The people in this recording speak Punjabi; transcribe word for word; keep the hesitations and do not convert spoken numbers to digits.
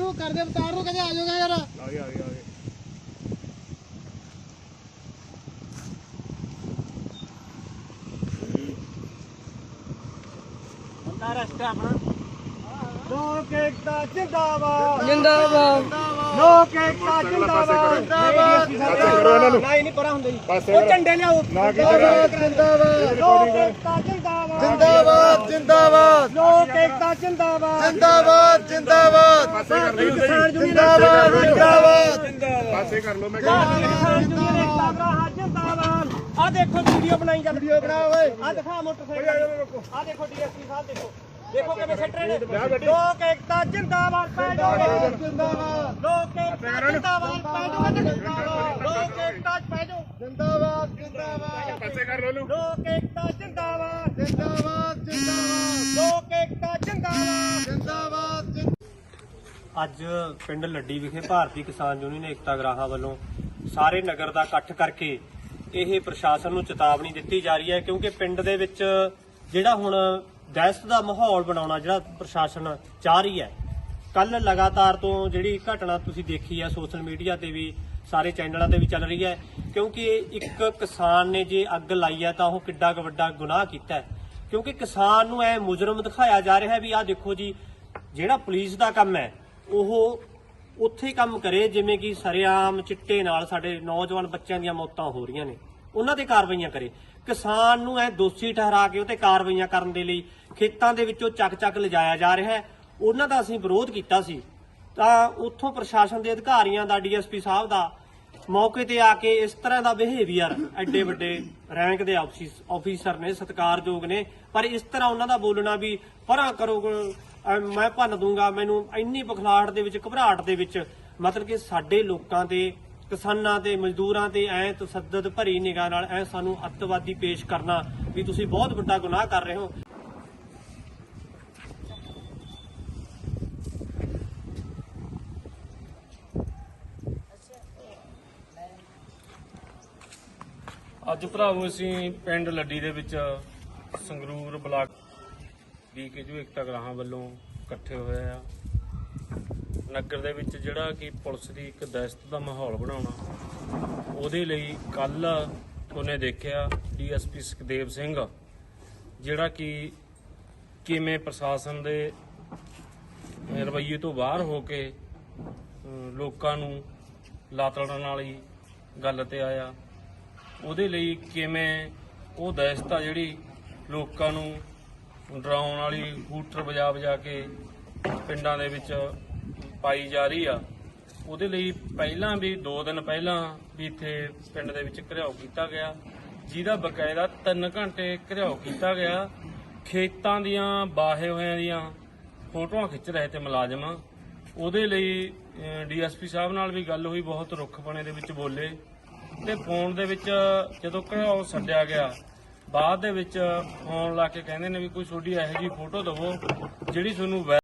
ਇਹਨੂੰ ਕਰਦੇ ਅਵਤਾਰ ਨੂੰ ਕਹਿੰਦੇ ਆ ਜਾਓਗਾ ਯਾਰ। ਆ ਗਏ ਆ ਗਏ ਆ ਗਏ। ਬੰਦਾ ਰਸਤਾ ਆਪਣਾ ਲੋਕ ਏਕਤਾ ਜਿੰਦਾਬਾਦ ਜਿੰਦਾਬਾਦ ਲੋਕ ਏਕਤਾ ਜਿੰਦਾਬਾਦ ਜਿੰਦਾਬਾਦ ਕਰੋ ਇਹਨਾਂ ਨੂੰ। ਨਹੀਂ ਨਹੀਂ ਪਰਾਂ ਹੁੰਦੇ ਜੀ ਪਾਸੇ ਉਹ ਝੰਡੇ ਲਿਆਓ ਨਾ ਕੀ ਜਿੰਦਾਬਾਦ ਲੋਕ ਏਕਤਾ ਜਿੰਦਾਬਾਦ ਜਿੰਦਾਬਾਦ ਜਿੰਦਾਬਾਦ ਲੋਕ ਏਕਤਾ ਜਿੰਦਾਬਾਦ ਜਿੰਦਾਬਾਦ ਜਿੰਦਾਬਾਦ ਪਾਸੇ ਕਰ ਲਓ ਜਿੰਦਾਬਾਦ ਜਿੰਦਾਬਾਦ ਪਾਸੇ ਕਰ ਲਓ ਮੈਂ ਜਿੰਦਾਬਾਦ ਆ ਦੇਖੋ ਵੀਡੀਓ ਬਣਾਈ ਜਾ ਵੀਡੀਓ ਬਣਾ ਓਏ ਆ ਦਿਖਾ ਮੋਟਰਸਾਈਕਲ ਆ ਦੇਖੋ ਡੀਐਸਪੀ ਸਾਹਿਬ ਦੇਖੋ ਦੇਖੋ ਕਿਵੇਂ ਸੱਟ ਰਹੇ ਨੇ। ਲੋਕ ਏਕਤਾ ਜਿੰਦਾਬਾਦ ਪੈ ਜਾਓਗੇ ਜਿੰਦਾਬਾਦ ਲੋਕ ਏਕਤਾ ਜਿੰਦਾਬਾਦ ਪੈ ਜਾਓਗੇ ਲੋਕ ਏਕਤਾ ਪੈ ਜਾਓ ਜਿੰਦਾਬਾਦ ਜਿੰਦਾਬਾਦ ਪਾਸੇ ਕਰ ਲਓ ਇਹਨੂੰ। ਲੋਕ ਏਕਤਾ ਜਿੰਦਾਬਾਦ ਜਿੰਦਾਬਾਦ ਜਿੰਦਾਬਾਦ ਲੋਕ ਏਕਤਾ ਜਿੰਦਾਬਾਦ ਜਿੰਦਾਬਾਦ। ਅੱਜ ਪਿੰਡ ਲੱਡੀ ਵਿਖੇ ਭਾਰਤੀ ਕਿਸਾਨ ਯੂਨੀਅਨ ਏਕਤਾ ਗਰਾਹਾਂ ਵੱਲੋਂ ਸਾਰੇ ਨਗਰ ਦਾ ਇਕੱਠ ਕਰਕੇ ਇਹ ਪ੍ਰਸ਼ਾਸਨ ਨੂੰ ਚੇਤਾਵਨੀ ਦਿੱਤੀ ਜਾ ਰਹੀ ਹੈ, ਕਿਉਂਕਿ ਪਿੰਡ ਦੇ ਵਿੱਚ ਜਿਹੜਾ ਹੁਣ ਦਹਿਸ਼ਤ ਦਾ ਮਾਹੌਲ ਬਣਾਉਣਾ ਜਿਹੜਾ ਪ੍ਰਸ਼ਾਸਨ ਚਾਹ ਰਹੀ ਹੈ। ਕੱਲ ਲਗਾਤਾਰ ਤੋਂ ਜਿਹੜੀ ਘਟਨਾ ਤੁਸੀਂ ਦੇਖੀ ਹੈ ਸੋਸ਼ਲ ਮੀਡੀਆ ਤੇ ਵੀ ਸਾਰੇ ਚੈਨਲਾਂ ਤੇ ਵੀ ਚੱਲ ਰਹੀ ਹੈ, ਕਿਉਂਕਿ ਇੱਕ ਕਿਸਾਨ ਨੇ ਜੇ ਅੱਗ ਲਾਈ ਹੈ ਤਾਂ ਉਹ ਕਿੱਡਾ ਕੁ ਵੱਡਾ ਗੁਨਾਹ ਕੀਤਾ ਹੈ। ਕਿਉਂਕਿ ਕਿਸਾਨ ਨੂੰ ਐ ਮੁਜਰਮ ਦਿਖਾਇਆ ਜਾ ਰਿਹਾ ਹੈ ਵੀ ਆਹ ਦੇਖੋ ਜੀ, ਜਿਹੜਾ ਪੁਲਿਸ ਦਾ ਕੰਮ ਹੈ ਉਹ ਉੱਥੇ ਕੰਮ ਕਰੇ ਜਿਵੇਂ ਕਿ ਸਰੇਆਮ ਚਿੱਟੇ ਨਾਲ ਸਾਡੇ ਨੌਜਵਾਨ ਬੱਚਿਆਂ ਦੀਆਂ ਮੌਤਾਂ ਹੋ ਰਹੀਆਂ ਨੇ, ਉਹਨਾਂ ਤੇ ਕਾਰਵਾਈਆਂ ਕਰੇ। ਕਿਸਾਨ ਨੂੰ ਐ ਦੋਸ਼ੀ ਠਹਿਰਾ ਕੇ ਉਹਤੇ ਕਾਰਵਾਈਆਂ ਕਰਨ ਦੇ ਲਈ ਖੇਤਾਂ ਦੇ ਵਿੱਚੋਂ ਚੱਕ ਚੱਕ ਲਿਜਾਇਆ ਜਾ ਰਿਹਾ ਹੈ। ਉਹਨਾਂ ਦਾ ਅਸੀਂ ਵਿਰੋਧ ਕੀਤਾ ਸੀ ਤਾਂ ਉੱਥੋਂ ਪ੍ਰਸ਼ਾਸਨ ਦੇ ਅਧਿਕਾਰੀਆਂ ਦਾ ਡੀਐਸਪੀ ਸਾਹਿਬ ਦਾ ਮੌਕੇ ਤੇ ਆ ਕੇ ਇਸ ਤਰ੍ਹਾਂ ਦਾ ਬਿਹੇਵੀਅਰ, ਐਡੇ ਵੱਡੇ ਰੈਂਕ ਦੇ ਆਫੀਸਰ ਨੇ, ਸਤਿਕਾਰਯੋਗ ਨੇ, ਪਰ ਇਸ ਤਰ੍ਹਾਂ ਉਹਨਾਂ ਦਾ ਬੋਲਣਾ ਵੀ ਪਰਾਂ ਕਰੋ, ਮੈਂ ਭੰਨ ਦੂੰਗਾ, ਮੈਨੂੰ ਇੰਨੀ ਬਖਲਾਹਟ ਦੇ ਵਿੱਚ, ਘਬਰਾਹਟ ਦੇ ਵਿੱਚ, ਮਤਲਬ ਕਿ ਸਾਡੇ ਲੋਕਾਂ ਤੇ, ਕਿਸਾਨਾਂ ਤੇ, ਮਜ਼ਦੂਰਾਂ ਤੇ ਐ ਤਸੱਦਦ ਭਰੀ ਨਿਗਾਹ ਨਾਲ ਐ ਸਾਨੂੰ ਅੱਤਵਾਦੀ ਪੇਸ਼ ਕਰਨਾ ਵੀ ਤੁਸੀਂ ਬਹੁਤ ਵੱਡਾ ਗੁਨਾਹ ਕਰ ਰਹੇ ਹੋ। ਅੱਜ ਭਰਾਵੋ ਅਸੀਂ ਪਿੰਡ ਲੱਡੀ ਦੇ ਵਿੱਚ ਸੰਗਰੂਰ ਬਲਾਕ ਦੀ ਕੇ ਜੋ ਏਕਤਾ ਗਰਾਹਾਂ ਵੱਲੋਂ ਇਕੱਠੇ ਹੋਏ ਆ। ਨਗਰ ਦੇ ਵਿੱਚ ਜਿਹੜਾ ਕਿ ਪੁਲਿਸ ਦੀ ਇੱਕ ਦਹਿਸ਼ਤ ਦਾ ਮਾਹੌਲ ਬਣਾਉਣਾ, ਉਹਦੇ ਲਈ ਕੱਲ ਉਹਨੇ ਦੇਖਿਆ ਡੀਐਸਪੀ ਸੁਖਦੇਵ ਸਿੰਘ ਜਿਹੜਾ ਕਿ ਕਿਵੇਂ ਪ੍ਰਸ਼ਾਸਨ ਦੇ ਰਵੱਈਏ ਤੋਂ ਬਾਹਰ ਹੋ ਕੇ ਲੋਕਾਂ ਨੂੰ ਲਾਤੜਨ ਵਾਲੀ ਗੱਲ ਤੇ ਆਇਆ। ਉਹਦੇ ਲਈ ਕਿਵੇਂ ਉਹ ਦਹਿਸ਼ਤ ਆ ਜਿਹੜੀ ਲੋਕਾਂ ਨੂੰ ਡਰਾਉਣ ਵਾਲੀ ਹੂਟਰ ਵਜਾ ਵਜਾ ਕੇ ਪਿੰਡਾਂ ਦੇ ਵਿੱਚ ਪਾਈ ਜਾ ਰਹੀ ਆ, ਉਹਦੇ ਲਈ ਪਹਿਲਾਂ ਵੀ ਦੋ ਦਿਨ ਪਹਿਲਾਂ ਵੀ ਇੱਥੇ ਪਿੰਡ ਦੇ ਵਿੱਚ ਘਿਰਾਓ ਕੀਤਾ ਗਿਆ, ਜਿਹਦਾ ਬਕਾਇਦਾ ਤਿੰਨ ਘੰਟੇ ਘਿਰਾਓ ਕੀਤਾ ਗਿਆ। ਖੇਤਾਂ ਦੀਆਂ ਬਾਹੇ ਹੋਇਆਂ ਦੀਆਂ ਫੋਟੋਆਂ ਖਿੱਚ ਰਹੇ ਤੇ ਮੁਲਾਜ਼ਮ, ਉਹਦੇ ਲਈ ਡੀਐਸਪੀ ਸਾਹਿਬ ਨਾਲ ਵੀ ਗੱਲ ਹੋਈ, ਬਹੁਤ ਰੁੱਖਪਣੇ ਦੇ ਵਿੱਚ ਬੋਲੇ ਤੇ ਫੋਨ ਦੇ ਵਿੱਚ ਜਦੋਂ ਘਿਰਾਓ ਛੱਡਿਆ ਗਿਆ ਬਾਅਦ ਦੇ ਵਿੱਚ ਫੋਨ ਲਾ ਕੇ ਕਹਿੰਦੇ ਨੇ ਵੀ ਕੋਈ ਤੁਹਾਡੀ ਇਹੋ ਜਿਹੀ ਫੋਟੋ ਦਵੋ ਜਿਹੜੀ ਤੁਹਾਨੂੰ